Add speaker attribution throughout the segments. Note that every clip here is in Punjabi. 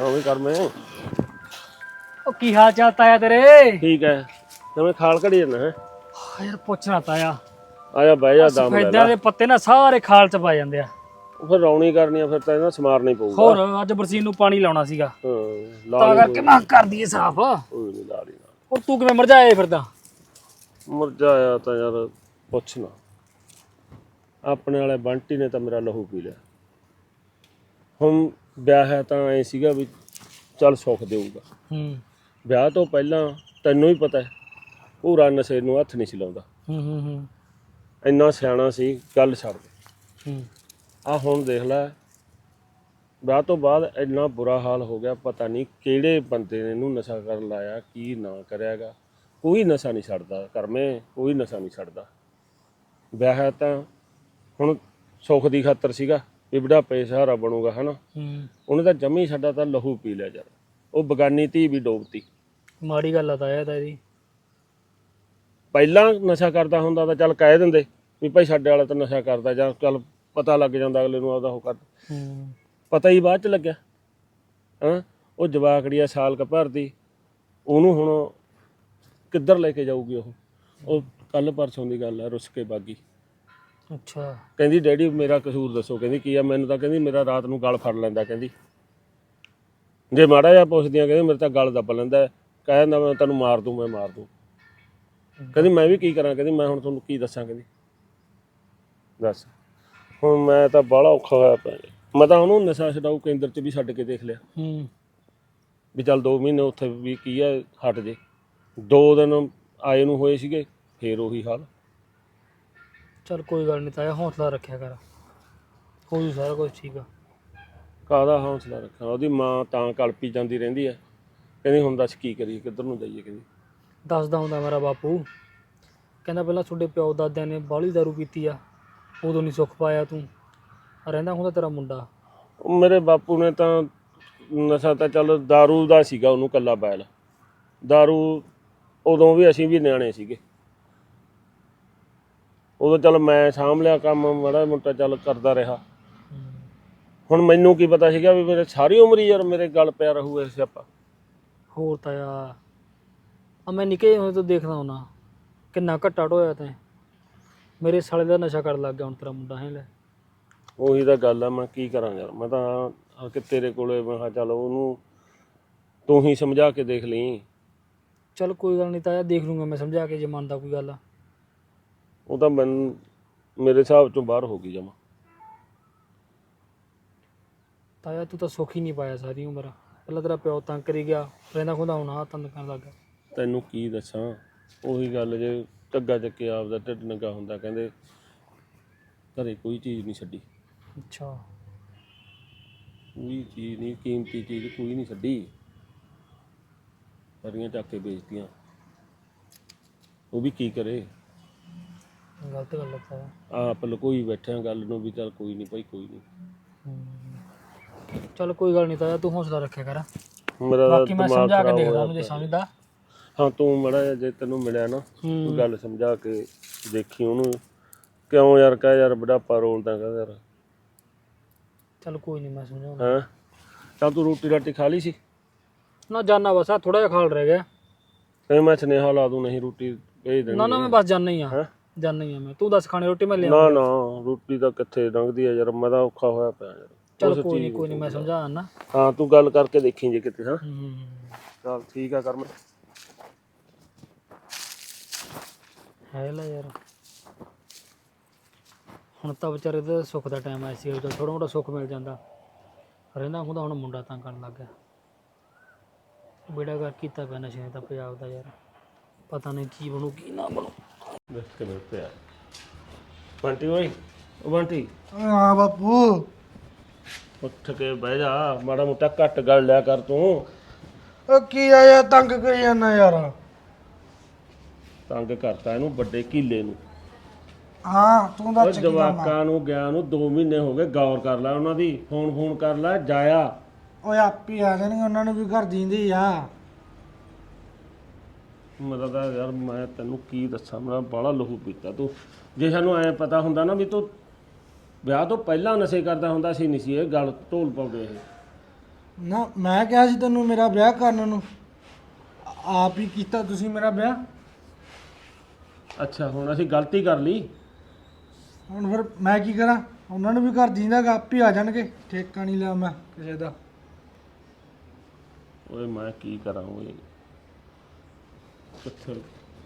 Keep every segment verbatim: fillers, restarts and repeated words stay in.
Speaker 1: हाँ भी कर मैं
Speaker 2: ਉਹ ਕੀ ਹਾਲ ਚਾਲ ਤਾਇਆ ਤੇਰੇ?
Speaker 1: ठीक है तो मैं खाल कड़ी जाना है
Speaker 2: ਯਾਰ ਪੁੱਛਣਾ ਤਾਇਆ
Speaker 1: आया बह जा दम ले
Speaker 2: ਸਫੈਦਿਆਂ
Speaker 1: ला
Speaker 2: ਦੇ ਪੱਤੇ ਨਾ ਸਾਰੇ ਖਾਲ ਚ ਪਾ ਜਾਂਦੇ ਆ।
Speaker 1: फिर रौनी करनी है फिर तो ना समारना ही पऊगा
Speaker 2: ਹੋਰ ਅੱਜ ਬਰਸੀਨ ਨੂੰ ਪਾਣੀ ਲਾਉਣਾ ਸੀਗਾ
Speaker 1: हाँ ला
Speaker 2: ਤਾਂ
Speaker 1: ली
Speaker 2: ਕਰਕੇ ਮੈਂ ਕਰ ਦਈਏ ਸਾਫ।
Speaker 1: कोई नहीं ला ली ना
Speaker 2: ਹੁਣ ਤੂੰ ਕਿਵੇਂ ਮਰਜਾਏ ਫਿਰਦਾ?
Speaker 1: मुरझाया तो यार पुछना अपने वाले बंटी ने तो मेरा लहू पी लिया हम ब्याह है तो ऐ सीगा भी चल सुख देऊगा
Speaker 2: ਹੂੰ
Speaker 1: ਵਿਆਹ ਤੋਂ ਪਹਿਲਾਂ ਤੈਨੂੰ ਹੀ ਪਤਾ ਹੈ ਪੂਰਾ ਨਸ਼ੇ ਨੂੰ ਹੱਥ ਨਹੀਂ ਸੀ ਲਾਉਂਦਾ
Speaker 2: ਹੂੰ ਹੂੰ ਹੂੰ
Speaker 1: ਇੰਨਾ ਸਿਆਣਾ ਸੀ ਗੱਲ ਛੱਡ ਦੇ
Speaker 2: ਹੂੰ
Speaker 1: ਆ ਹੁਣ ਦੇਖ ਲੈ ਵਿਆਹ ਤੋਂ ਬਾਅਦ ਇੰਨਾ ਬੁਰਾ ਹਾਲ ਹੋ ਗਿਆ ਪਤਾ ਨਹੀਂ ਕਿਹੜੇ ਬੰਦੇ ਨੇ ਇਹਨੂੰ ਨਸ਼ਾ ਕਰਨ ਲਾਇਆ ਕੀ ਨਾ ਕਰਿਆਗਾ ਕੋਈ ਨਸ਼ਾ ਨਹੀਂ ਛੱਡਦਾ ਕਰਮੇ ਕੋਈ ਨਸ਼ਾ ਨਹੀਂ ਛੱਡਦਾ ਵਿਆਹ ਹੈ ਤਾਂ ਹੁਣ ਸੁੱਖ ਦੀ ਖਾਤਰ ਸੀਗਾ ਵੀ ਬੁਢਾਪੇ ਸਹਾਰਾ ਬਣੂਗਾ ਹਨਾ
Speaker 2: ਹੂੰ
Speaker 1: ਉਹਨੇ ਤਾਂ ਜੰਮੀ ਛੱਡਾ ਤਾਂ ਲਹੂ ਪੀ ਲਿਆ ਯਾਰ ਉਹ ਬਗਾਨੀ ਧੀ ਵੀ ਡੋਬਤੀ
Speaker 2: ਮਾੜੀ ਗੱਲ ਆ ਤਾਇਆ ਤਾਰੀ।
Speaker 1: ਪਹਿਲਾਂ ਨਸ਼ਾ ਕਰਦਾ ਹੁੰਦਾ ਤਾਂ ਚੱਲ ਕਹਿ ਦਿੰਦੇ ਵੀ ਭਾਈ ਸਾਡੇ ਵਾਲਾ ਤਾਂ ਨਸ਼ਾ ਕਰਦਾ ਜਾਂ ਚੱਲ ਪਤਾ ਲੱਗ ਜਾਂਦਾ ਅਗਲੇ ਨੂੰ ਆਪਦਾ ਉਹ ਕਰ
Speaker 2: ਹੂੰ
Speaker 1: ਪਤਾ ਹੀ ਬਾਅਦ ਚ ਲੱਗਿਆ ਹਾਂ ਉਹ ਜਵਾਕੜੀ ਆ ਸਾਲ ਕ ਭਰਦੀ ਉਹਨੂੰ ਹੁਣ ਕਿੱਧਰ ਲੈ ਕੇ ਜਾਊਗੀ ਉਹ ਉਹ ਕੱਲ ਪਰਸੋਂ ਦੀ ਗੱਲ ਆ ਰੁੱਸ ਕੇ ਬਾਗੀ
Speaker 2: ਅੱਛਾ
Speaker 1: ਕਹਿੰਦੀ ਡੈਡੀ ਮੇਰਾ ਕਸੂਰ ਦੱਸੋ ਕਹਿੰਦੀ ਕੀ ਆ ਮੈਨੂੰ ਤਾਂ ਕਹਿੰਦੀ ਮੇਰਾ ਰਾਤ ਨੂੰ ਗਲ ਫੜ ਲੈਂਦਾ ਕਹਿੰਦੀ ਜੇ ਮਾੜਾ ਜਿਹਾ ਪੁੱਛਦੀਆਂ ਕਹਿੰਦੀ ਮੇਰੇ ਤਾਂ ਗਲ ਦੱਬ ਲੈਂਦਾ ਕਹਿ ਦਿੰਦਾ ਮੈਂ ਤੈਨੂੰ ਮਾਰ ਦੂੰ ਮੈਂ ਮਾਰ ਦੂੰ ਕਹਿੰਦੀ ਮੈਂ ਵੀ ਕੀ ਕਰਾਂ ਕਹਿੰਦੀ ਮੈਂ ਹੁਣ ਤੁਹਾਨੂੰ ਕੀ ਦੱਸਾਂ ਕਹਿੰਦੀ ਦੱਸ ਹੁਣ ਮੈਂ ਤਾਂ ਬਾਹਲਾ ਔਖਾ ਹੋਇਆ ਪਿਆ ਮੈਂ ਤਾਂ ਉਹਨੂੰ ਨਸ਼ਾ ਛਡਾਊ ਕੇਂਦਰ 'ਚ ਵੀ ਛੱਡ ਕੇ ਦੇਖ ਲਿਆ
Speaker 2: ਹੂੰ
Speaker 1: ਵੀ ਚੱਲ ਦੋ ਮਹੀਨੇ ਉੱਥੇ ਵੀ ਕੀ ਆ ਹਟ ਜੇ ਦੋ ਦਿਨ ਆਏ ਨੂੰ ਹੋਏ ਸੀਗੇ ਫੇਰ ਉਹੀ ਹਾਲ
Speaker 2: ਚੱਲ ਕੋਈ ਗੱਲ ਨਹੀਂ ਤਾਇਆ ਹੌਸਲਾ ਰੱਖਿਆ ਕਰ ਹੋ ਜੂ ਸਾਰਾ ਕੁਝ ਠੀਕ ਆ।
Speaker 1: ਕਾਹਦਾ ਹੌਸਲਾ ਰੱਖਾਂ ਉਹਦੀ ਮਾਂ ਤਾਂ ਕਲਪੀ ਜਾਂਦੀ ਰਹਿੰਦੀ ਹੈ ਕਹਿੰਦੀ ਹੁਣ ਦੱਸ ਕੀ ਕਰੀਏ ਕਿੱਧਰ ਨੂੰ ਜਾਈਏ ਕਹਿੰਦੀ
Speaker 2: ਦੱਸਦਾ ਹੁੰਦਾ ਮੇਰਾ ਬਾਪੂ ਕਹਿੰਦਾ ਪਹਿਲਾਂ ਤੁਹਾਡੇ ਪਿਓ ਦਾਦਿਆਂ ਨੇ ਬਾਹਲੀ ਦਾਰੂ ਪੀਤੀ ਆ ਉਦੋਂ ਨਹੀਂ ਸੁੱਖ ਪਾਇਆ ਤੂੰ ਰਹਿੰਦਾ ਹੁੰਦਾ ਤੇਰਾ ਮੁੰਡਾ।
Speaker 1: ਉਹ ਮੇਰੇ ਬਾਪੂ ਨੇ ਤਾਂ ਨਸ਼ਾ ਤਾਂ ਚੱਲ ਦਾਰੂ ਦਾ ਸੀਗਾ ਉਹਨੂੰ ਕੱਲਾ ਬੈਲ ਦਾਰੂ ਉਦੋਂ ਵੀ ਅਸੀਂ ਵੀ ਨਿਆਣੇ ਸੀਗੇ ਉਦੋਂ ਚੱਲ ਮੈਂ ਸਾਂਭ ਲਿਆ ਕੰਮ ਮਾੜਾ ਮੋਟਾ ਚੱਲ ਕਰਦਾ ਰਿਹਾ ਹੁਣ ਮੈਨੂੰ ਕੀ ਪਤਾ ਸੀਗਾ ਵੀ ਮੇਰੇ ਸਾਰੀ ਉਮਰ ਹੀ ਯਾਰ ਮੇਰੇ ਗਲ ਪਿਆ ਰਹੂ ਇਸ ਸਿਆਪਾ।
Speaker 2: ਹੋਰ ਤਾਇਆ ਆ ਮੈਂ ਨਿੱਕੇ ਹੋਏ ਤੋਂ ਦੇਖਦਾ ਹੁਣਾ ਕਿੰਨਾ ਘੱਟਾ ਢੋਇਆ ਤੈਂ ਮੇਰੇ ਸਾਲੇ ਦਾ ਨਸ਼ਾ ਕਰਨ ਲੱਗ ਗਿਆ ਹੁਣ ਤੇਰਾ ਮੁੰਡਾ ਹੈ ਲੈ।
Speaker 1: ਉਹੀ ਤਾਂ ਗੱਲ ਆ ਮੈਂ ਕੀ ਕਰਾਂ ਯਾਰ ਮੈਂ ਤਾਂ ਆ ਕਿ ਤੇਰੇ ਕੋਲੇ ਮੈਂ ਕਿਹਾ ਚੱਲ ਉਹਨੂੰ ਤੂੰ ਹੀ ਸਮਝਾ ਕੇ ਦੇਖ ਲਈ।
Speaker 2: ਚੱਲ ਕੋਈ ਗੱਲ ਨਹੀਂ ਤਾਇਆ ਦੇਖ ਲੂੰਗਾ ਮੈਂ ਸਮਝਾ ਕੇ ਜੇ ਮੰਨਦਾ ਕੋਈ ਗੱਲ ਆ।
Speaker 1: ਉਹ ਤਾਂ ਮੈਨੂੰ ਮੇਰੇ ਹਿਸਾਬ ਚੋਂ ਬਾਹਰ ਹੋ ਗਈ ਜਮਾ।
Speaker 2: ਤਾਇਆ ਤੂੰ ਤਾਂ ਸੁੱਖ ਹੀ ਨਹੀਂ ਪਾਇਆ ਸਾਰੀ ਉਮਰ ਪਹਿਲਾਂ ਤੇਰਾ ਪਿਓ ਤੰਗ ਕਰੀ ਗਿਆ ਰਹਿੰਦਾ ਖੁੰਦਾ ਹੁਣ ਆਹ ਤੰਗ ਕਰਨ ਲੱਗ ਗਿਆ।
Speaker 1: ਤੈਨੂੰ ਕੀ ਦੱਸਾਂ ਉਹੀ ਗੱਲ ਜੇ ਢੱਗਾ ਚੱਕੇ ਆਪਦਾ ਢਿੱਡ ਨੰਗਾ ਹੁੰਦਾ ਕਹਿੰਦੇ ਘਰੇ ਕੋਈ ਚੀਜ਼ ਨਹੀਂ ਛੱਡੀ
Speaker 2: ਅੱਛਾ
Speaker 1: ਕੋਈ ਚੀਜ਼ ਨਹੀਂ ਕੀਮਤੀ ਚੀਜ਼ ਕੋਈ ਨਹੀਂ ਛੱਡੀ ਸਾਰੀਆਂ ਚੱਕ ਕੇ ਵੇਚਤੀਆਂ ਉਹ ਵੀ ਕੀ ਕਰੇ
Speaker 2: ਗਲਤ ਗੱਲ ਹੈ
Speaker 1: ਆਪ ਲਕੋਈ ਬੈਠਿਆ ਗੱਲ ਨੂੰ ਵੀ ਚੱਲ ਕੋਈ ਨਹੀਂ ਭਾਈ ਕੋਈ ਨਹੀਂ।
Speaker 2: ਚੱਲ ਕੋਈ ਗੱਲ ਨਹੀਂ ਤਾਇਆ ਤੂੰ ਹੌਸਲਾ ਰੱਖਿਆ ਕਰ
Speaker 1: ਮੇਰਾ
Speaker 2: ਬਾਕੀ ਮੈਂ
Speaker 1: ਦਿਮਾਗ
Speaker 2: ਸਮਝਾ ਕੇ
Speaker 1: ਖਰਾਬ
Speaker 2: ਦੇਖਦਾ
Speaker 1: ਹੋਇਆ
Speaker 2: ਉਹਨੂੰ ਜੇ ਸਮਝਦਾ।
Speaker 1: ਹਾਂ ਤੂੰ ਮਾੜਾ ਜਿਹਾ ਜੇ ਤੈਨੂੰ ਮਿਲਿਆ ਨਾ
Speaker 2: ਹੂੰ।
Speaker 1: ਕੋਈ ਗੱਲ ਸਮਝਾ ਕੇ ਦੇਖੀ ਉਹਨੂੰ ਕਿਉਂ ਯਾਰ ਕਹਿ ਯਾਰ ਬੁਢਾਪਾ ਰੋਲਦਾ ਕਹਿੰਦਾ ਯਾਰ
Speaker 2: ਚੱਲ ਕੋਈ ਨਹੀਂ ਮੈਂ ਸਮਝਾਉਂਦਾ।
Speaker 1: ਹੈਂ ਚੱਲ ਤੂੰ ਰੋਟੀ ਰਾਟੀ ਖਾ ਲਈ ਸੀ
Speaker 2: ਨਾ ਜਾਨਾ ਬਸ ਆ ਥੋੜਾ ਜਿਹਾ ਖਾਲ ਰਹਿ ਗਿਆ।
Speaker 1: ਫਿਰ ਮੈਂ ਸੁਨੇਹਾ ਲਾ ਦੂੰ ਨਹੀਂ ਰੋਟੀ ਭੇਜ ਦੇਣੀ
Speaker 2: ਨਾ ਨਾ ਮੈਂ ਬਸ ਜਾਨਾ ਹੀ ਆ
Speaker 1: ਹੈਂ
Speaker 2: ਜਾਨਾ ਹੀ ਆ ਮੈਂ ਤੂੰ ਦੱਸ ਖਾਣੇ ਰੋਟੀ ਮੈਂ ਲਿਆ।
Speaker 1: ਨਾ ਨਾ ਰੋਟੀ ਤਾਂ ਕਿੱਥੇ ਲੰਘਦੀ ਆ ਯਾਰ ਮੈਂ ਤਾਂ ਔਖਾ ਹੋਇਆ ਪਿਆ ਯਾਰ।
Speaker 2: ਚੱਲ ਕੋਈ ਨਹੀਂ ਕੋਈ ਨਹੀਂ ਮੈਂ ਸਮਝਾ ਨਾ।
Speaker 1: ਹਾਂ ਤੂੰ ਗੱਲ ਕਰਕੇ ਦੇਖੀ ਜੇ ਕਿਤੇ ਹਾਂ
Speaker 2: ਹੂੰ
Speaker 1: ਚੱਲ ਠੀਕ ਆ ਕਰਮ
Speaker 2: ਹੈ ਲੈ ਯਾਰ ਹੁਣ ਤਾਂ ਵਿਚਾਰੇ ਦਾ ਸੁੱਖ ਦਾ ਟਾਈਮ ਆਇਆ ਸੀ ਜਦੋਂ ਥੋੜਾ ਮੋਟਾ ਸੁੱਖ ਮਿਲ ਜਾਂਦਾ ਰਹਿੰਦਾ ਹੁੰਦਾ ਹੁਣ ਮੁੰਡਾ ਤਾਂ ਕਰਨ ਲੱਗ ਗਿਆ ਬੇੜਾ ਕਰ ਕੀਤਾ ਪਿਆ ਨਸ਼ੇ ਦਾ ਪੰਜਾਬ ਦਾ ਯਾਰ ਪਤਾ ਨਹੀਂ ਕੀ ਬਣੂ ਕੀ ਨਾ ਬਣੂ।
Speaker 1: ਦੇਖ ਕੇ ਪਿਆ ਬੰਟੀ ਓਏ ਉਹ ਬੰਟੀ
Speaker 3: ਹਾਂ ਬਾਪੂ
Speaker 1: ਉੱਠ ਕੇ ਬਹਿ ਜਾ ਮਾੜਾ ਮੋਟਾ ਘੱਟ ਗੱਲ ਲਿਆ ਕਰ ਤੂੰ
Speaker 3: ਉਹ ਕੀ ਆਇਆ ਤੰਗ ਕਰੀ ਜਾਂਦਾ ਯਾਰ।
Speaker 1: ਤੰਗ ਕਰਤਾ ਇਹਨੂੰ ਵੱਡੇ ਕੀਲੇ ਨੂੰ
Speaker 3: ਹਾਂ ਤੂੰ
Speaker 1: ਉਹ
Speaker 3: ਦੱਸ ਕੀ ਕੰਮ ਆ?
Speaker 1: ਜਵਾਕਾਂ ਨੂੰ ਗਿਆ ਨੂੰ ਦੋ ਮਹੀਨੇ ਹੋ ਗਏ ਗੌਰ ਕਰ ਲੈ ਉਹਨਾਂ ਦੀ ਫੋਨ ਫੋਨ ਕਰ ਲੈ ਜਾਇਆ
Speaker 3: ਓਏ ਆਪੀ ਆ ਜਾਣਗੇ ਉਹਨਾਂ ਨੂੰ ਵੀ ਘਰ ਦੀਂਦੀ ਆ।
Speaker 1: ਮਤਲਬ ਤਾਂ ਯਾਰ ਮੈਂ ਤੈਨੂੰ ਕੀ ਦੱਸਾਂ ਮੈਂ ਬਾਹਲਾ ਲਹੂ ਪੀਤਾ ਤੂੰ ਜੇ ਸਾਨੂੰ ਐ ਪਤਾ ਹੁੰਦਾ ਨਾ ਵੀ ਤੂੰ ਵਿਆਹ ਤੋਂ ਪਹਿਲਾਂ ਨਸ਼ੇ ਕਰਦਾ ਹੁੰਦਾ ਸੀ ਨਹੀਂ ਸੀ ਇਹ ਗੱਲ ਢੋਲ ਪਾਉਂਦੇ ਇਹ
Speaker 3: ਨਾ ਮੈਂ ਕਿਹਾ ਸੀ ਤੈਨੂੰ ਮੇਰਾ ਵਿਆਹ ਕਰਨ ਨੂੰ, ਆਪ ਹੀ ਕੀਤਾ ਤੁਸੀਂ ਮੇਰਾ ਵਿਆਹ।
Speaker 1: ਅੱਛਾ ਹੁਣ ਅਸੀਂ ਗਲਤੀ ਕਰ ਲਈ।
Speaker 3: ਹੁਣ ਫਿਰ ਮੈਂ ਕੀ ਕਰਾਂ, ਉਹਨਾਂ ਨੂੰ ਵੀ ਘਰ ਜੀਂਦਾਗਾ, ਆਪੇ ਆ ਜਾਣਗੇ, ਠੇਕਾ ਨਹੀਂ ਲਿਆ ਮੈਂ ਕਿਸੇ ਦਾ।
Speaker 1: ਓਏ ਮੈਂ ਕੀ ਕਰਾਂ ਓਏ, ਕਿੱਥੇ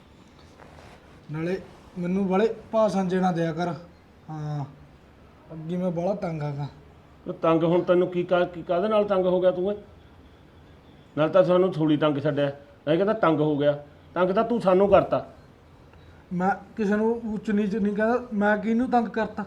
Speaker 3: ਨਾਲੇ ਮੈਨੂੰ ਬੜੇ ਭਾਸ਼ਣ ਜੇ ਨਾ ਦਿਆ ਕਰ। ਹਾਂ ਅੱਗੇ ਮੈਂ ਬੜਾ ਤੰਗ ਆਗਾ।
Speaker 1: ਉਹ ਤੰਗ ਹੁਣ ਤੈਨੂੰ ਕੀ ਕਾ ਕੀ ਕਾਹਦੇ ਨਾਲ ਤੰਗ ਹੋ ਗਿਆ ਤੂੰ ਏ? ਨਾਲ ਤਾਂ ਸਾਨੂੰ ਥੋੜੀ ਤੰਗ ਛੱਡਿਆ, ਇਹ ਕਹਿੰਦਾ ਤੰਗ ਹੋ ਗਿਆ। ਤੰਗ ਤਾਂ ਤੂੰ ਸਾਨੂੰ ਕਰਤਾ।
Speaker 3: ਮੈਂ ਕਿਸੇ ਨੂੰ ਉੱਚ ਨੀਚ ਨਹੀਂ ਕਹਿੰਦਾ, ਮੈਂ ਕਿਹਨੂੰ ਤੰਗ ਕਰਤਾ।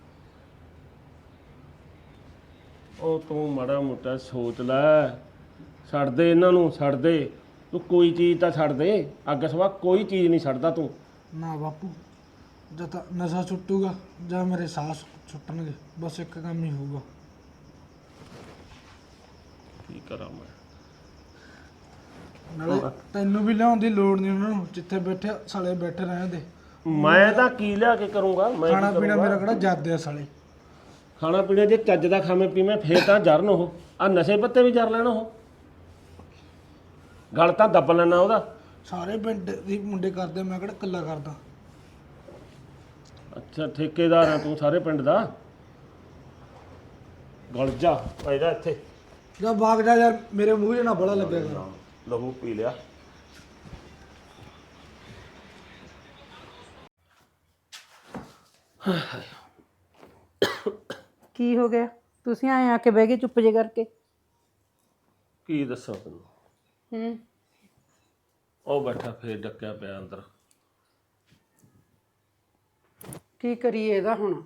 Speaker 1: ਉਹ ਤੂੰ ਮਾੜਾ ਮੋਟਾ ਸੋਚ ਲੈ, ਛੱਡ ਦੇ ਇਹਨਾਂ ਨੂੰ, ਛੱਡ ਦੇ ਤੂੰ, ਕੋਈ ਚੀਜ਼ ਤਾਂ ਛੱਡ ਦੇ। ਅੱਗ ਸਵਾ ਕੋਈ ਚੀਜ਼ ਨਹੀਂ ਛੱਡਦਾ ਤੂੰ।
Speaker 3: ਨਾ ਬਾਪੂ, ਜਦ ਤੱਕ ਨਸ਼ਾ ਛੁੱਟੂਗਾ ਜਾਂ ਮੇਰੇ ਸਾਹ ਛੁੱਟਣਗੇ, ਬਸ ਇੱਕ ਕੰਮ ਹੀ ਹੋਊਗਾ।
Speaker 1: ਕੀ ਕਰਾਂ ਮੈਂ?
Speaker 3: ਨਾਲੇ ਤੈਨੂੰ ਵੀ ਲਿਆਉਣ ਦੀ ਲੋੜ ਨਹੀਂ, ਉਹਨਾਂ ਨੂੰ ਜਿੱਥੇ ਬੈਠੇ ਸਾਲੇ ਬੈਠੇ ਰਹਿਣ ਦੇ।
Speaker 1: ਮੈਂ ਤਾਂ ਕੀ ਲਿਆ ਕੇ ਕਰੂੰਗਾ? ਮੈਂ
Speaker 3: ਖਾਣਾ ਪੀਣਾ ਮੇਰਾ ਕਿਹੜਾ ਜਾਦੇ ਆ ਸਾਲੇ।
Speaker 1: ਖਾਣਾ ਪੀਣਾ ਜੇ ਚੱਜ ਦਾ ਖਾਵੇਂ ਪੀਵੇਂ ਫੇਰ ਤਾਂ ਜਰਨ ਉਹ, ਆ ਨਸ਼ੇ ਪੱਤੇ ਵੀ ਜਰ ਲੈਣ ਉਹ, ਗਲ ਤਾਂ ਦੱਬ ਲੈਣਾ ਉਹਦਾ।
Speaker 3: ਸਾਰੇ ਪਿੰਡ ਦੀ ਮੁੰਡੇ ਕਰਦੇ, ਮੈਂ ਕਿਹੜਾ ਇਕੱਲਾ ਕਰਦਾ।
Speaker 1: ਅੱਛਾ ਠੇਕੇਦਾਰ ਆ ਤੂੰ ਸਾਰੇ ਪਿੰਡ ਦਾ? ਗਲ ਜਾ ਪੈਦਾ ਇੱਥੇ
Speaker 3: ਜਾਂ ਬਾਗ ਜਾ ਯਾਰ, ਮੇਰੇ ਮੂੰਹ 'ਚ ਨਾ ਬੜਾ ਲੱਗਿਆ ਕਰ।
Speaker 1: ਲਹੂ ਪੀ ਲਿਆ।
Speaker 4: ਕੀ ਹੋ ਗਿਆ? ਤੁਸੀਂ ਆਏ ਆ ਕੇ ਬਹਿ ਗਏ ਚੁੱਪ ਜੇ ਕਰਕੇ।
Speaker 1: ਕੀ ਦੱਸਾਂ ਤੈਨੂੰ?
Speaker 4: ਹੂੰ
Speaker 1: ਉਹ ਬੈਠਾ ਫੇਰ ਡੱਕਿਆ ਪਿਆ ਅੰਦਰ।
Speaker 4: ਕੀ ਕਰੀਏ ਇਹਦਾ ਹੁਣ?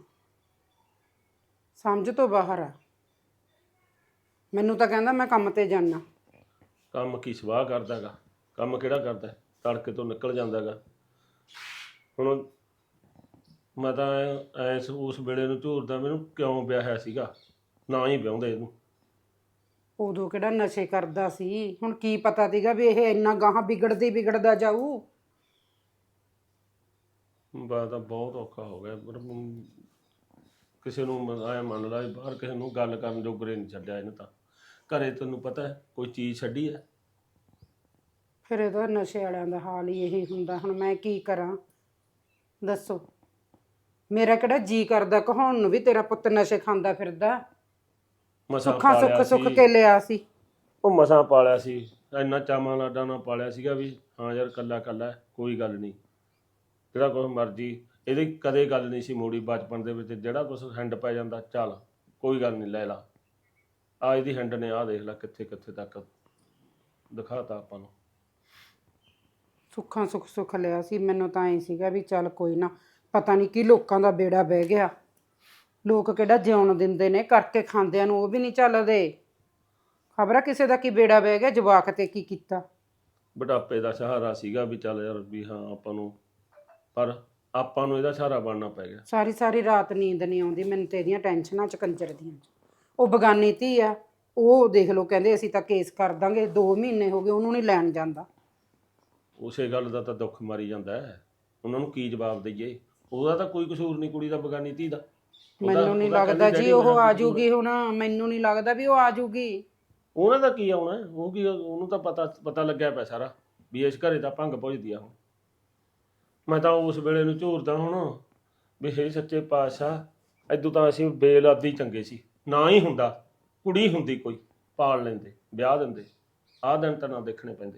Speaker 4: ਸਮਝ ਤੋਂ ਬਾਹਰ ਆ। ਮੈਨੂੰ ਤਾਂ ਕਹਿੰਦਾ ਮੈਂ ਕੰਮ ਤੇ ਜਾਣਾ।
Speaker 1: ਕੰਮ ਕੀ ਸਵਾਹ ਕਰਦਾ ਗਾ? ਕੰਮ ਕਿਹੜਾ ਕਰਦਾ? ਤੜਕੇ ਤੋਂ ਨਿਕਲ ਜਾਂਦਾ ਗਾ। ਹੁਣ ਮੈਂ ਤਾਂ ਐ ਉਸ ਵੇਲੇ ਨੂੰ ਝੂਰਦਾ, ਮੈਨੂੰ ਕਿਉਂ ਵਿਆਹਿਆ ਸੀਗਾ, ਨਾ ਹੀ ਵਿਆਹੁੰਦੇ ਇਹਨੂੰ।
Speaker 4: ਉਦੋਂ ਕਿਹੜਾ ਨਸ਼ੇ ਕਰਦਾ ਸੀ? ਹੁਣ ਕੀ ਪਤਾ ਸੀਗਾ ਵੀ ਇਹ ਇੰਨਾ ਗਾਹਾਂ ਵਿਗੜਦੀ ਵਿਗੜਦਾ ਜਾਊ।
Speaker 1: ਬਾ ਤਾਂ ਬਹੁਤ ਔਖਾ ਹੋ ਗਿਆ। ਪਰ ਕਿਸੇ ਨੂੰ ਐ ਮੰਨ ਲਾ ਬਾਹਰ ਕਿਸੇ ਨੂੰ ਗੱਲ ਕਰਨ ਜੋਗਰੇ ਨਹੀਂ ਛੱਡਿਆ ਇਹਨੇ ਤਾਂ। ਘਰੇ ਤੈਨੂੰ ਪਤਾ ਕੋਈ ਚੀਜ਼ ਛੱਡੀ ਹੈ?
Speaker 4: ਫਿਰ ਇਹਦਾ ਨਸ਼ੇ ਵਾਲਿਆਂ ਦਾ ਹਾਲ ਹੀ ਇਹੀ ਹੁੰਦਾ। ਹੁਣ ਮੈਂ ਕੀ ਕਰਾਂ ਦੱਸੋ? ਮੇਰਾ ਕਿਹੜਾ ਜੀ ਕਰਦਾ ਕਹਾਉਣ ਨੂੰ ਵੀ ਤੇਰਾ ਪੁੱਤ ਨਸ਼ੇ ਖਾਂਦਾ ਫਿਰਦਾ।
Speaker 1: ਮਸਾਂ
Speaker 4: ਸੁੱਖਾਂ
Speaker 1: ਪਾਲਿਆ
Speaker 4: ਸੁੱਖ ਸੁੱਖ
Speaker 1: ਸੀ।
Speaker 4: ਕੇ ਲਿਆ ਸੀ।
Speaker 1: ਉਹ ਮਸਾਂ ਪਾਲਿਆ ਸੀ, ਇੰਨਾ ਚਾਵਾਂ ਲਾਡਾਂ ਨਾਲ ਪਾਲਿਆ ਸੀਗਾ ਵੀ ਹਾਂ ਯਾਰ ਕੱਲਾ ਕੱਲਾ ਕੋਈ ਗੱਲ ਨਹੀਂ, ਜਿਹੜਾ ਕੁਛ ਮਰਜ਼ੀ। ਇਹਦੀ ਕਦੇ ਗੱਲ ਨਹੀਂ ਸੀ ਮੋੜੀ ਬਚਪਨ ਦੇ ਵਿੱਚ। ਜਿਹੜਾ ਕੁਛ ਹੈਂਡ ਪੈ ਜਾਂਦਾ ਚੱਲ ਕੋਈ ਗੱਲ ਨਹੀਂ ਲੈ ਲਾ। ਆ ਇਹਦੀ ਹੈਂਡ ਨੇ ਆਹ ਦੇਖ ਲੈ ਕਿੱਥੇ ਕਿੱਥੇ ਤੱਕ ਦਿਖਾਤਾ ਆਪਾਂ ਨੂੰ।
Speaker 4: ਸੁੱਖਾਂ ਸੁੱਖ ਸੁੱਖ ਲਿਆ ਸੀ। ਮੈਨੂੰ ਤਾਂ ਐਂ ਸੀਗਾ ਵੀ ਚੱਲ ਕੋਈ ਨਾ, ਪਤਾ ਨਹੀਂ ਕੀ ਲੋਕਾਂ ਦਾ ਬੇੜਾ ਬਹਿ ਗਿਆ। ਲੋਕ ਕਿਹੜਾ ਜਿਉਣ ਦਿੰਦੇ ਨੇ, ਕਰਕੇ ਖਾਂਦਿਆਂ ਨੂੰ ਉਹ ਵੀ ਨਹੀਂ ਚੱਲਦੇ। ਖਬਰ ਆ ਕਿਸੇ ਦਾ ਕੀ ਬੇੜਾ ਬਹਿ ਗਿਆ, ਜਵਾਕ ਤੇ ਕੀ ਕੀਤਾ।
Speaker 1: ਬੁਢਾਪੇ ਦਾ ਸਹਾਰਾ ਸੀਗਾ ਵੀ ਚੱਲ ਯਾਰ ਵੀ ਹਾਂ ਆਪਾਂ ਨੂੰ, ਪਰ ਆਪਾਂ ਨੂੰ ਇਹਦਾ ਸਹਾਰਾ ਬਣਨਾ ਪੈ ਗਿਆ।
Speaker 4: ਸਾਰੀ ਸਾਰੀ ਰਾਤ ਨੀਂਦ ਨਹੀਂ ਆਉਂਦੀ ਮੈਨੂੰ ਤੇ ਇਹਦੀਆਂ ਟੈਨਸ਼ਨਾਂ ਚ, ਕੰਜਰ ਦੀਆਂ। ਉਹ ਬਗਾਨੀ ਧੀ ਆ, ਉਹ ਦੇਖ ਲਓ ਕਹਿੰਦੇ ਅਸੀਂ ਤਾਂ ਕੇਸ ਕਰ ਦਾਂਗੇ। ਦੋ ਮਹੀਨੇ ਹੋ ਗਏ ਉਹਨੂੰ ਨਹੀਂ ਲੈਣ ਜਾਂਦਾ।
Speaker 1: ਉਸੇ ਗੱਲ ਦਾ ਤਾਂ ਦੁੱਖ ਮਾਰੀ ਜਾਂਦਾ ਹੈ। ਉਹਨਾਂ ਨੂੰ ਕੀ ਜਵਾਬ ਦਈਏ? ਉਹਦਾ ਤਾਂ ਕੋਈ ਕਸੂਰ ਨਹੀਂ ਕੁੜੀ ਦਾ, ਬਗਾਨੀ ਧੀ ਦਾ।
Speaker 4: ਮੈਨੂੰ ਨਹੀਂ ਲੱਗਦਾ ਜੀ ਉਹ ਆ ਜੂਗੀ ਹੁਣ। ਮੈਨੂੰ ਨਹੀਂ ਲੱਗਦਾ ਵੀ ਉਹ ਆ ਜੂਗੀ।
Speaker 1: ਉਹਨਾਂ ਦਾ ਕੀ ਆਉਣਾ? ਉਹ ਕੀ, ਉਹਨੂੰ ਤਾਂ ਪਤਾ ਪਤਾ ਲੱਗਿਆ ਪਿਆ ਸਾਰਾ ਵੀ ਇਸ ਘਰੇ ਤਾਂ ਭੰਗ ਪੁੱਜਦੀ ਆ। ਹੁਣ ਮੈਂ ਤਾਂ ਉਸ ਵੇਲੇ ਨੂੰ ਝੂਰਦਾ ਹੁਣ ਵੀ ਹੇ ਸੱਚੇ ਪਾਤਸ਼ਾਹ, ਇਦੋਂ ਤਾਂ ਅਸੀਂ ਬੇਲਾਦੀ ਚੰਗੇ ਸੀ। ਨਾ ਹੀ ਹੁੰਦਾ, ਕੁੜੀ ਹੁੰਦੀ ਕੋਈ ਪਾਲ ਲੈਂਦੇ, ਵਿਆਹ ਦਿੰਦੇ। ਆਹ ਦਿਨ ਤਾਂ ਨਾ ਦੇਖਣੇ ਪੈਂਦੇ।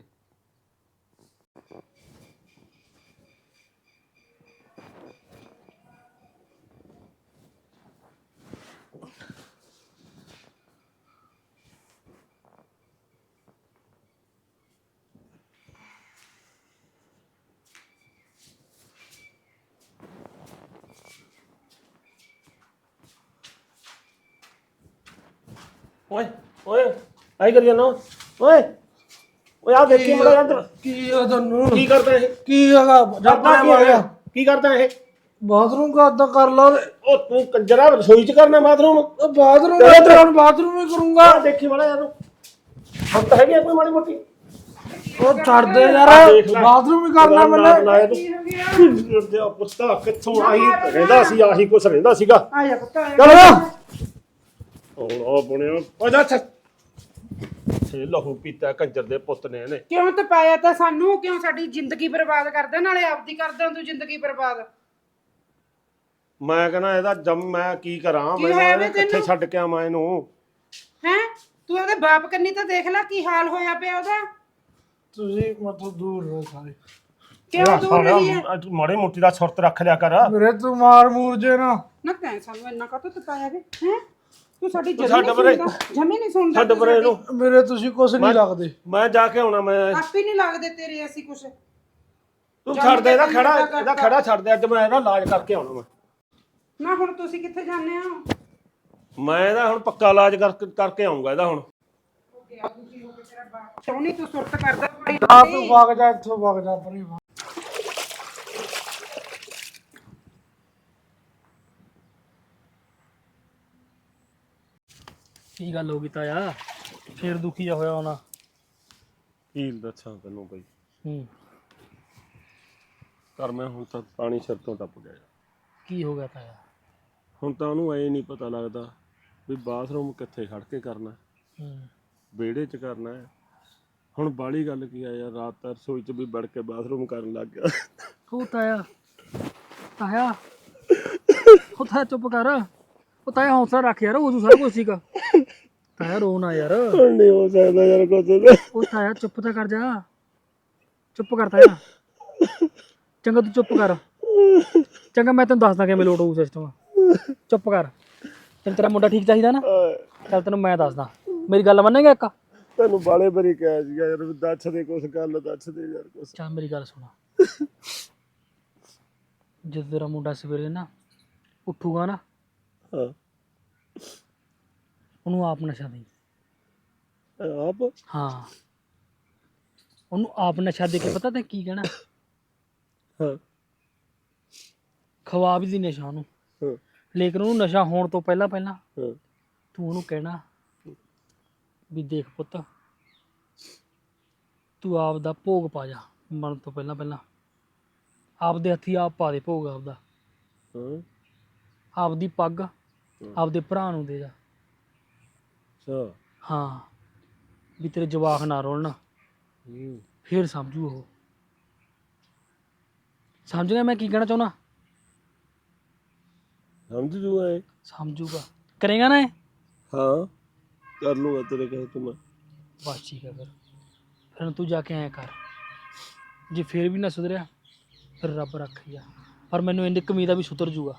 Speaker 1: ਓਏ ਓਏ ਆਈ ਕਰੀ ਜਾਨਾ? ਓਏ ਓਏ ਆ ਦੇਖੀ ਮੜਾ ਅੰਦਰ।
Speaker 3: ਕੀ ਆ ਤੈਨੂੰ?
Speaker 1: ਕੀ ਕਰਦਾ ਇਹ?
Speaker 3: ਕੀ ਹੈਗਾ?
Speaker 1: ਕਰਦਾ ਕੀ ਹੈਗਾ? ਕੀ ਕਰਦਾ ਇਹ?
Speaker 3: ਬਾਥਰੂਮ ਕਰਦਾ ਕਰ ਲਾ।
Speaker 1: ਉਹ ਤੂੰ ਕੰਜਰਾ ਰਸੋਈ ਚ ਕਰਨਾ ਬਾਥਰੂਮ?
Speaker 3: ਉਹ ਬਾਥਰੂਮ ਕਰਦਾ, ਹੁਣ ਬਾਥਰੂਮ ਹੀ ਕਰੂੰਗਾ।
Speaker 1: ਆ ਦੇਖੀ ਮੜਾ ਯਾਰ, ਹਮ ਤਾਂ ਹੈਗੀ ਕੋਈ ਮਾੜੀ ਮੋਟੀ।
Speaker 3: ਉਹ ਛੱਡ ਦੇ ਯਾਰ, ਬਾਥਰੂਮ ਹੀ ਕਰਨਾ ਮੈਨੇ।
Speaker 1: ਤੇ ਪੁੱਤਾ ਕਿੱਥੋਂ ਆਹੀ ਰਹਿੰਦਾ ਸੀ, ਆਹੀ ਕੁਛ ਰਹਿੰਦਾ ਸੀਗਾ।
Speaker 4: ਆ ਜਾ ਪੁੱਤ ਆ ਜਾ।
Speaker 1: ਚਲ ਉਹ ਬਣਿਆ ਉਹ ਜਾ ਇੱਥੇ ਲਹੂ ਪੀਤਾ ਕੰਜਰ ਦੇ ਪੁੱਤ ਨੇ ਇਹਨੇ।
Speaker 4: ਕਿਉਂ ਤਪਾਇਆ ਤਾਂ ਸਾਨੂੰ, ਕਿਉਂ ਸਾਡੀ ਜ਼ਿੰਦਗੀ ਬਰਬਾਦ ਕਰਦਾ, ਨਾਲੇ ਆਪਦੀ ਕਰਦਾ ਤੂੰ ਜ਼ਿੰਦਗੀ ਬਰਬਾਦ।
Speaker 1: ਮੈਂ ਕਹਿੰਦਾ ਇਹਦਾ ਜੰਮ ਮੈਂ ਕੀ ਕਰਾਂ,
Speaker 4: ਕੀ
Speaker 1: ਮੈਂ
Speaker 4: ਹੋਇਆ
Speaker 1: ਇਹਨੇ
Speaker 4: ਵੇ
Speaker 1: ਕਿੱਥੇ
Speaker 4: ਤੈਨੂੰ?
Speaker 1: ਛੱਡ ਕੇ ਆਵਾਂ ਇਹਨੂੰ।
Speaker 4: ਹੈ ਤੂੰ ਉਹਦੇ ਬਾਪ ਕੰਨੀ ਤਾਂ ਦੇਖ ਲੈ ਕੀ ਹਾਲ ਹੋਇਆ ਪਿਆ ਉਹਦਾ।
Speaker 3: ਤੁਸੀਂ ਮਤਲਬ ਦੂਰ ਰਹੋ ਸਾਰੇ।
Speaker 4: ਕਿਉਂ ਦੂਰ ਰਹੀ ਹੈ?
Speaker 1: ਤੂੰ ਮਾੜੀ ਮੋਟੀ ਦਾ ਸੁਰਤ ਰੱਖ ਲਿਆ ਕਰ।
Speaker 3: ਮੇਰੇ ਤੂੰ ਮਾਰ ਮੂਰ ਜੇ ਨਾ।
Speaker 4: ਨਾ ਤੈਂ ਸਾਨੂੰ ਇੰਨਾ ਕਾਹਤੋਂ ਤਪਾਇਆ ਵੇ ਹੈ? ਤੂੰ ਸਾਡੀ
Speaker 1: ਤੂੰ
Speaker 4: ਜਮੀ
Speaker 1: ਛੱਡ
Speaker 4: ਨਹੀਂ
Speaker 1: ਪਰੇ।
Speaker 4: ਸੁਣਦਾ, ਜਮੀ ਨਹੀਂ ਸੁਣਦਾ
Speaker 1: ਛੱਡ
Speaker 4: ਤੂੰ
Speaker 1: ਪਰੇ
Speaker 4: ਸਾਡੀ।
Speaker 1: ਇਹਨੂੰ।
Speaker 3: ਮੇਰੇ ਤੁਸੀਂ ਕੁਛ ਨਹੀਂ ਲੱਗਦੇ।
Speaker 1: ਮੈਂ ਜਾ ਕੇ ਆਉਣਾ ਮੈਂ।
Speaker 4: ਆਪੇ ਨਹੀਂ ਲੱਗਦੇ ਤੇਰੇ ਅਸੀਂ ਕੁਛ।
Speaker 1: ਤੂੰ ਛੱਡ ਦੇ ਇਹਦਾ ਖੜਾ, ਇਹਦਾ ਖੜਾ ਛੱਡ ਦੇ। ਅੱਜ ਮੈਂ ਇਹਦਾ ਇਲਾਜ ਕਰਕੇ ਆਉਣਾ ਮੈਂ।
Speaker 4: ਨਾ ਹੁਣ ਤੁਸੀਂ ਕਿੱਥੇ ਜਾਂਦੇ ਹੋ?
Speaker 1: ਮੈਂ ਇਹਦਾ ਹੁਣ ਪੱਕਾ ਇਲਾਜ ਕਰਕੇ ਕਰਕੇ ਆਉਂਗਾ ਇਹਦਾ ਹੁਣ।
Speaker 4: ਕਿਉਂ ਨਹੀਂ ਤੂੰ ਸੁਰਤ ਕਰਦਾ ਬੜੀ
Speaker 3: ਆ ਤੂੰ ਵਗ ਜਾ ਇੱਥੋਂ, ਵਗ ਜਾ ਪਰੇ।
Speaker 2: ਕੀ ਗੱਲ ਹੋ ਗਈ ਤਾਇਆ? ਫੇਰ ਦੁਖੀ ਜਾ ਹੋਇਆ ਹੋਣਾ।
Speaker 1: ਕੀ ਦੱਸਾਂ ਤੈਨੂੰ ਬਈ,
Speaker 2: ਹੂੰ
Speaker 1: ਕਰ ਮੈਂ ਹੁਣ ਤਾਂ ਪਾਣੀ ਸਿਰ ਤੋਂ ਟੱਪ ਗਿਆ।
Speaker 2: ਕੀ ਹੋ ਗਿਆ ਤਾਇਆ?
Speaker 1: ਹੁਣ ਤਾਂ ਉਹਨੂੰ ਐ ਨਹੀਂ ਪਤਾ ਲੱਗਦਾ ਵੀ ਬਾਥਰੂਮ ਕਿੱਥੇ ਖੜ ਕੇ ਕਰਨਾ,
Speaker 2: ਹੂੰ
Speaker 1: ਵਿਹੜੇ 'ਚ ਕਰਨਾ ਹੈ। ਹੁਣ ਬਾਹਲੀ ਗੱਲ ਕੀ ਆ ਯਾਰ, ਰਾਤ ਤਾਂ ਰਸੋਈ 'ਚ ਵੀ ਵੜ ਕੇ ਬਾਥਰੂਮ ਕਰਨ ਲੱਗ ਗਿਆ।
Speaker 2: ਉਹ ਤਾਇਆ ਤਾਇਆ ਉਹ ਤਾਇਆ ਚੁੱਪ ਕਰ। ਉਹ ਤਾਇਆ ਹੌਸਲਾ ਰੱਖ ਯਾਰ, ਉਦੋਂ ਸਾਰਾ ਕੁਝ ਸੀਗਾ। ਤਾਇਆ ਰੋ ਨਾ ਯਾਰ।
Speaker 1: ਹੁਣ ਨਹੀਂ ਹੋ ਸਕਦਾ ਯਾਰ ਕੁਝ।
Speaker 2: ਉਹ ਤਾਇਆ ਚੁੱਪ ਤਾਂ ਕਰ ਜਾ, ਚੁੱਪ ਕਰ ਤਾਇਆ। ਚੰਗਾ ਤੂੰ ਚੁੱਪ ਕਰ। ਚੰਗਾ ਮੈਂ ਤੈਨੂੰ ਦੱਸਦਾ ਕਿਵੇਂ ਲੋਟ ਹੋਊ ਸਿਸਟਮ। ਚੁੱਪ ਕਰ। ਤੈਨੂੰ ਤੇਰਾ ਮੁੰਡਾ ਠੀਕ ਚਾਹੀਦਾ ਨਾ? ਚੱਲ ਤੈਨੂੰ ਮੈਂ ਦੱਸਦਾ, ਮੇਰੀ ਗੱਲ ਮੰਨੇਗਾ ਇੱਕ?
Speaker 1: ਤੈਨੂੰ ਬਾਲੇ ਬਰੀ ਕਿਹਾ ਸੀਗਾ ਯਾਰ, ਦੱਸ ਦੇ ਕੁਛ, ਗੱਲ ਦੱਸ ਦੇ ਯਾਰ ਕੁਛ।
Speaker 2: ਚੱਲ ਮੇਰੀ ਗੱਲ ਸੁਣਾ। ਜਦੋਂ ਤੇਰਾ ਮੁੰਡਾ ਸਵੇਰੇ ਨਾ ਉੱਠੂਗਾ ਨਾ,
Speaker 1: ਹਾਂ
Speaker 2: ਉਹਨੂੰ ਆਪ ਨਸ਼ਾ ਦੇ।
Speaker 1: ਆਪ?
Speaker 2: ਹਾਂ ਉਹਨੂੰ ਆਪ ਨਸ਼ਾ ਦੇ ਕੇ ਪਤਾ ਤੈਂ ਕੀ ਕਹਿਣਾ?
Speaker 1: ਹਾਂ
Speaker 2: ਖਵਾ ਵੀ ਦੀ ਨਸ਼ਾ ਉਹਨੂੰ,
Speaker 1: ਹਾਂ
Speaker 2: ਲੇਕਿਨ ਉਹਨੂੰ ਨਸ਼ਾ ਹੋਣ ਤੋਂ ਪਹਿਲਾਂ ਪਹਿਲਾਂ
Speaker 1: ਹਾਂ
Speaker 2: ਤੂੰ ਉਹਨੂੰ ਕਹਿਣਾ ਵੀ ਦੇਖ ਪੁੱਤ, ਤੂੰ ਆਪ ਦਾ ਭੋਗ ਪਾ ਜਾ। ਮਰਨ ਤੋਂ ਪਹਿਲਾਂ ਪਹਿਲਾਂ ਆਪਦੇ ਹੱਥੀ ਆਪ ਪਾ ਦੇ ਭੋਗ ਆਪਦਾ।
Speaker 1: ਹਾਂ
Speaker 2: ਆਪਦੀ ਪੱਗ ਆਪਦੇ ਭਰਾ ਨੂੰ ਦੇ ਜਾ।
Speaker 1: ਅੱਛਾ।
Speaker 2: ਹਾਂ ਵੀ ਤੇਰੇ ਜਵਾਕ ਨਾ ਰੋਲਣ,
Speaker 1: ਹੂੰ
Speaker 2: ਫੇਰ ਸਮਝੂ ਉਹ। ਸਮਝ ਗਿਆ ਮੈਂ ਕੀ ਕਹਿਣਾ ਚਾਹੁੰਦਾ?
Speaker 1: ਸਮਝ ਜੂ ਐ।
Speaker 2: ਸਮਝੂਗਾ। ਕਰੇਗਾ ਨਾ ਇਹ?
Speaker 1: ਹਾਂ ਕਰ ਲੂੰਗਾ ਤੇਰੇ ਕਹੇ ਤੂੰ ਮੈਂ।
Speaker 2: ਬਸ ਠੀਕ ਹੈ। ਫਿਰ ਫਿਰ ਤੂੰ ਜਾ ਕੇ ਐਂ ਕਰ, ਜੇ ਫੇਰ ਵੀ ਨਾ ਸੁਧਰਿਆ ਫਿਰ ਰੱਬ ਰੱਖਿਆ, ਪਰ ਮੈਨੂੰ ਇੰਨੀ ਕੁ ਉਮੀਦ ਆ ਵੀ ਸੁਧਰ ਜੂਗਾ।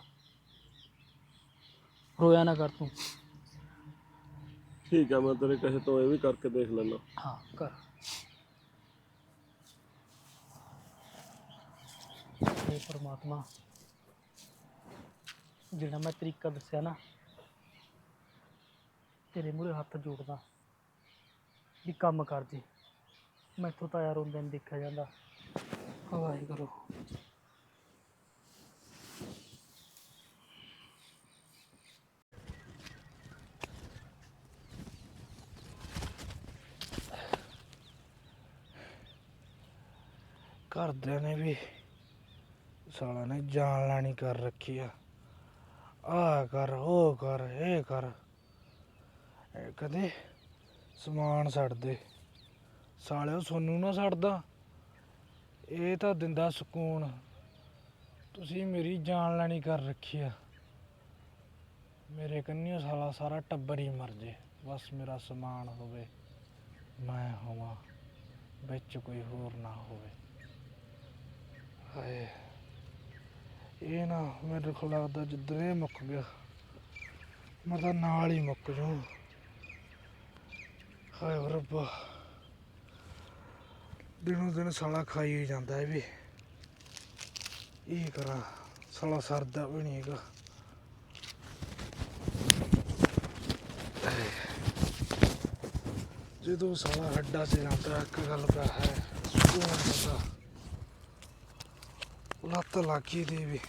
Speaker 2: ਰੋਇਆ ਨਾ ਕਰ ਤੂੰ।
Speaker 1: ਠੀਕ ਆ, ਮੈਂ ਤੇਰੇ ਕਹੇ ਤੋਂ ਇਹ ਵੀ ਕਰਕੇ ਦੇਖ ਲੈਣਾ।
Speaker 2: ਹਾਂ ਕਰ। ਹੇ ਪਰਮਾਤਮਾ, ਜਿਹੜਾ ਮੈਂ ਤਰੀਕਾ ਦੱਸਿਆ ਨਾ, ਤੇਰੇ ਮੂਹਰੇ ਹੱਥ ਜੋੜਦਾ ਵੀ ਕੰਮ ਕਰ ਜੇ। ਮੈਥੋਂ ਤਾਂ ਯਾਰ ਰੋਂਦੇ ਨਹੀਂ ਦੇਖਿਆ ਜਾਂਦਾ। ਵਾਹਿਗੁਰੂ।
Speaker 3: ਘਰਦਿਆਂ ਨੇ ਵੀ ਸਾਲਾ ਨੇ ਜਾਨ ਲੈਣੀ ਕਰ ਰੱਖੀ ਆ। ਆ ਕਰ, ਉਹ ਕਰ, ਇਹ ਕਰ। ਇਹ ਕਦੇ ਸਮਾਨ ਛੱਡਦੇ ਸਾਲਿਓ, ਸੋਨੂੰ ਨਾ ਛੱਡਦਾ। ਇਹ ਤਾਂ ਦਿੰਦਾ ਸਕੂਨ। ਤੁਸੀਂ ਮੇਰੀ ਜਾਨ ਲੈਣੀ ਕਰ ਰੱਖੀ ਆ। ਮੇਰੇ ਕੰਨਿਓ ਸਾਲਾ ਸਾਰਾ ਟੱਬਰ ਹੀ ਮਰ ਜੇ, ਬਸ ਮੇਰਾ ਸਮਾਨ ਹੋਵੇ, ਮੈਂ ਹੋਵਾਂ, ਵਿੱਚ ਕੋਈ ਹੋਰ ਨਾ ਹੋਵੇ। ਹਾਏ ਇਹ ਨਾ ਮੇਰੇ ਕੋਲ ਲੱਗਦਾ ਜਿੱਦਣ ਇਹ ਮੁੱਕ ਗਿਆ ਮੈਂ ਤਾਂ ਨਾਲ ਹੀ ਮੁੱਕ ਜੂ। ਹਾਏ ਰੱਬਾ, ਦਿਨੋਂ ਦਿਨ ਸਾਲਾ ਖਾਈ ਹੀ ਜਾਂਦਾ ਇਹ ਵੀ। ਇਹ ਕਰਾਂ, ਸਾਲਾ ਸਰਦਾ ਵੀ ਨਹੀਂ ਹੈਗਾ। ਜਦੋਂ ਸਾਲਾ ਹੱਡਾ 'ਚ ਜਾਂਦਾ ਇੱਕ ਗੱਲ ਤਾਂ ਹੈ, ਸਕੂਨ ਹੁੰਦਾ। ਲੱਤ ਲੱਗੀ ਦੀ ਵੀ।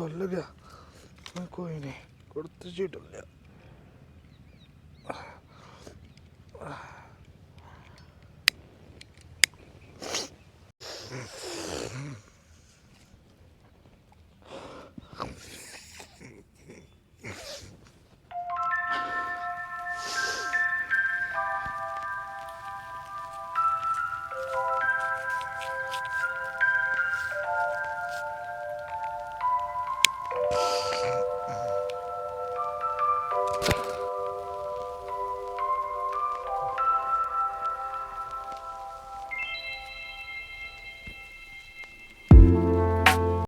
Speaker 3: ਡੁੱਲ ਗਿਆ ਮੈਂ, ਕੋਈ ਨਹੀਂ ਕੁੜਤੇ 'ਚ ਹੀ ਡੁੱਲਿਆ।